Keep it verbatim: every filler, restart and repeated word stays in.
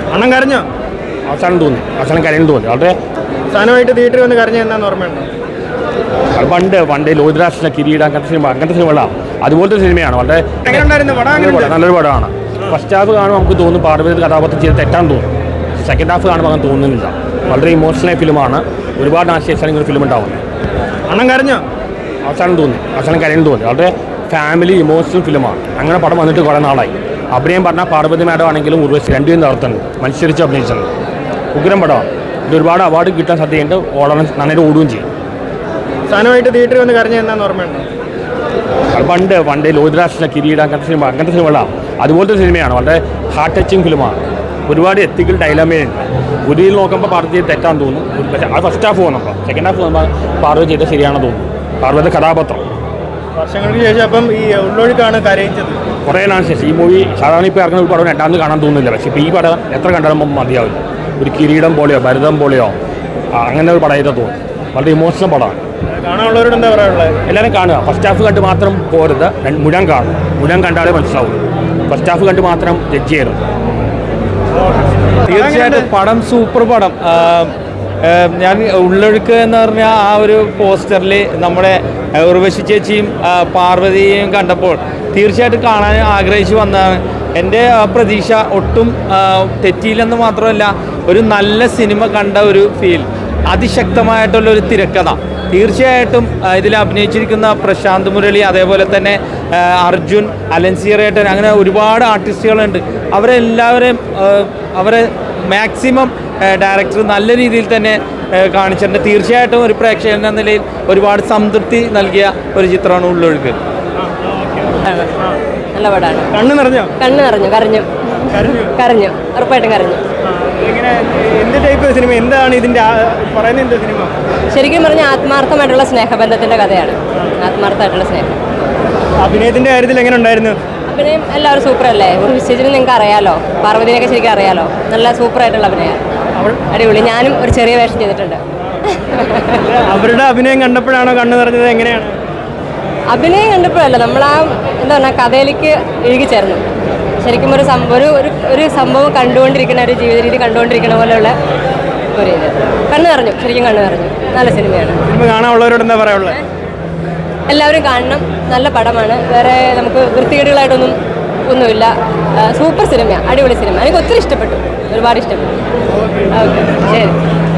അണ്ണം കരഞ്ഞോ? അവസാനം തോന്നി, അവസാനം കരഞ്ഞു തോന്നി. വളരെ അവസാനമായിട്ട് തിയേറ്ററിൽ വന്ന് കരഞ്ഞ എന്താന്ന് ഓർമ്മയുണ്ടോ? അത് പണ്ട് പണ്ട് ലോഹിതദാസിലെ കിരീടം അങ്ങനത്തെ സിനിമ അങ്ങനത്തെ സിനിമകളാണ്. അതുപോലത്തെ സിനിമയാണ്. വളരെ നല്ലൊരു പടമാണ്. ഫസ്റ്റ് ഹാഫ് കാണുമ്പോൾ നമുക്ക് തോന്നും പാർവതി കഥാപാത്രം ചെയ്ത് തെറ്റാൻ തോന്നും. സെക്കൻഡ് ഹാഫ് കാണുമ്പോൾ അങ്ങനെ തോന്നുന്നില്ല. വളരെ ഇമോഷണൽ ഫിലിമാണ്. ഒരുപാട് ആശയസാണ് ഇങ്ങനെ ഫിലിം ഉണ്ടാവുന്നത്. അണ്ണം കരഞ്ഞോ? അവസാനം തോന്നി, അവസാനം കരഞ്ഞു തോന്നി. വളരെ ഫാമിലി ഇമോഷണൽ ഫിലിമാണ്. അങ്ങനെ പടം വന്നിട്ട് കുറേ നാളായി. അഭിനയം പറഞ്ഞാൽ പാർവതി മാഡം ആണെങ്കിലും ഉർവശി രണ്ടുപേരും തകർത്തുണ്ട്, മത്സരിച്ച് അഭിനയിച്ചിട്ടുണ്ട്. ഉഗ്രം പടമാണ്. ഇത് ഒരുപാട് അവാർഡ് കിട്ടാൻ സാധ്യതയുണ്ട്. ഓടാൻ നന്നായിട്ട് ഓടുകയും ചെയ്യും. അവസാനമായിട്ട് തിയേറ്ററിൽ വന്ന് കരഞ്ഞ എന്താന്ന് ഓർമ്മയുണ്ടോ? അത് പണ്ട് പണ്ട് ലോഹിതദാസിലെ കിരീടം അങ്ങനത്തെ സിനിമ അങ്ങനത്തെ സിനിമകളാണ്. അതുപോലത്തെ സിനിമയാണ്. വളരെ ഹാർട്ട് ടച്ചിങ് ഫിലിമാണ്. ഒരുപാട് എത്തിക്കൽ ഡയലമയുണ്ട്. ഒരു രീതിയിൽ നോക്കുമ്പോൾ പാർവതി തെറ്റാൻ തോന്നും. പക്ഷേ അത് ഫസ്റ്റ് ഹാഫ് പോകുമ്പോൾ സെക്കൻഡ് ഹാഫ് പോകുമ്പോൾ പാർവതി ചെയ്താൽ ശരിയാണെന്ന് തോന്നുന്നു. പാർവതി കഥാപാത്രം വർഷങ്ങൾക്ക് ശേഷം അപ്പം ഈ ഉള്ളൊഴുക്കാണ് കരയിച്ചത്. കുറേ നാളിന് ശേഷം ഈ മൂവി സാധാരണ ഇപ്പോൾ ഇറങ്ങുന്ന ഒരു പടം രണ്ടാമത് കാണാൻ തോന്നുന്നില്ല. പക്ഷേ ഇപ്പോൾ ഈ പടം എത്ര കണ്ടാലും മതിയാവില്ല. ഒരു കിരീടം പോലെയോ ഭരതം പോലെയോ അങ്ങനെ ഒരു പടമായിട്ട് തോന്നും. വളരെ ഇമോഷണൽ പടമാണ്. കാണാനുള്ളവരോട് എന്താ പറയാനുള്ളത്? എല്ലാവരും കാണുക. ഫസ്റ്റ് ഹാഫ് കണ്ട് മാത്രം പോരുത്, മുഴുവൻ കാണും. മുഴുവൻ കണ്ടാലേ മനസ്സിലാവും. ഫസ്റ്റ് ഹാഫ് കണ്ട് മാത്രം ജഡ്ജ് ചെയ്യരുത്. തീർച്ചയായിട്ടും പടം സൂപ്പർ പടം. ഞാൻ ഉള്ളൊഴുക്ക് എന്ന് പറഞ്ഞാൽ ആ ഒരു പോസ്റ്ററിൽ നമ്മുടെ ഉർവശി ചേച്ചിയും പാർവതിയെയും കണ്ടപ്പോൾ തീർച്ചയായിട്ടും കാണാൻ ആഗ്രഹിച്ചു വന്നതാണ്. എൻ്റെ പ്രതീക്ഷ ഒട്ടും തെറ്റിയില്ലെന്ന് മാത്രമല്ല, ഒരു നല്ല സിനിമ കണ്ട ഒരു ഫീൽ, അതിശക്തമായിട്ടുള്ളൊരു തിരക്കഥ. തീർച്ചയായിട്ടും ഇതിൽ അഭിനയിച്ചിരിക്കുന്ന പ്രശാന്ത് മുരളി, അതേപോലെ തന്നെ അർജുൻ, അലൻസിയറേട്ടൻ, അങ്ങനെ ഒരുപാട് ആർട്ടിസ്റ്റുകളുണ്ട്. അവരെല്ലാവരെയും അവരെ മാക്സിമം ഡയറക്ടർ നല്ല രീതിയിൽ തന്നെ കാണിച്ചിട്ടുണ്ട്. തീർച്ചയായിട്ടും ഒരു പ്രേക്ഷകൻ എന്ന നിലയിൽ ഒരുപാട് സംതൃപ്തി നൽകിയ ഒരു ചിത്രമാണ് ഉള്ളൊഴുക്ക്. നല്ല പടമാണ്. കണ്ണ് നിറഞ്ഞോ? കണ്ണ് നിറഞ്ഞു. കരഞ്ഞു കരഞ്ഞു ഉറപ്പായിട്ടും കരഞ്ഞു. എന്ത് ടൈപ്പ് സിനിമ? എന്താണ് ഇതിന്റെ പറയുന്നത്? എന്ത് സിനിമ? ശരിക്കും പറഞ്ഞാൽ ആത്മാർത്ഥമായിട്ടുള്ള സ്നേഹബന്ധത്തിന്റെ കഥയാണ്. ആത്മാർത്ഥമായിട്ടുള്ള സ്നേഹം. അഭിനയത്തിന്റെ കാര്യത്തിൽ എങ്ങനെ ഉണ്ടായിരുന്നു? അഭിനയം എല്ലാവരും സൂപ്പർ അല്ലേ? ഒരു വിശേഷിച്ച് നിങ്ങൾക്ക് അറിയാലോ, പാർവതിനെയൊക്കെ ശരിക്കും അറിയാലോ. നല്ല സൂപ്പറായിട്ടുള്ള അഭിനയം, അടിപൊളി. ഞാനും ഒരു ചെറിയ വേഷം ചെയ്തിട്ടുണ്ട്. അവരുടെ അഭിനയം കണ്ടപ്പോഴാണോ കണ്ണു നിറഞ്ഞത്? എങ്ങനെയാണ്? അഭിനയം കണ്ടപ്പോഴല്ല, നമ്മൾ ആ എന്താ പറഞ്ഞാൽ കഥയിലേക്ക് ഇഴുകി ചേർന്നു. ശരിക്കും ഒരു ഒരു ഒരു സംഭവം കണ്ടുകൊണ്ടിരിക്കുന്ന ഒരു ജീവിത രീതി കണ്ടുകൊണ്ടിരിക്കുന്ന പോലെയുള്ള ഒരു ഇത്. കണ്ണു നിറഞ്ഞു, ശരിക്കും കണ്ണു നിറഞ്ഞു. നല്ല സിനിമയാണ്. സിനിമ കാണാനുള്ളവരോട് എന്താ പറയാനുള്ളത്? എല്ലാവരും കാണണം. നല്ല പടമാണ്. വേറെ നമുക്ക് വൃത്തികേടുകളായിട്ടൊന്നും ഒന്നുമില്ല. സൂപ്പർ സിനിമയാണ്, അടിപൊളി സിനിമ. എനിക്ക് ഒത്തിരി ഇഷ്ടപ്പെട്ടു, ഒരുപാട് ഇഷ്ടപ്പെട്ടു. ഓക്കെ, ശരി.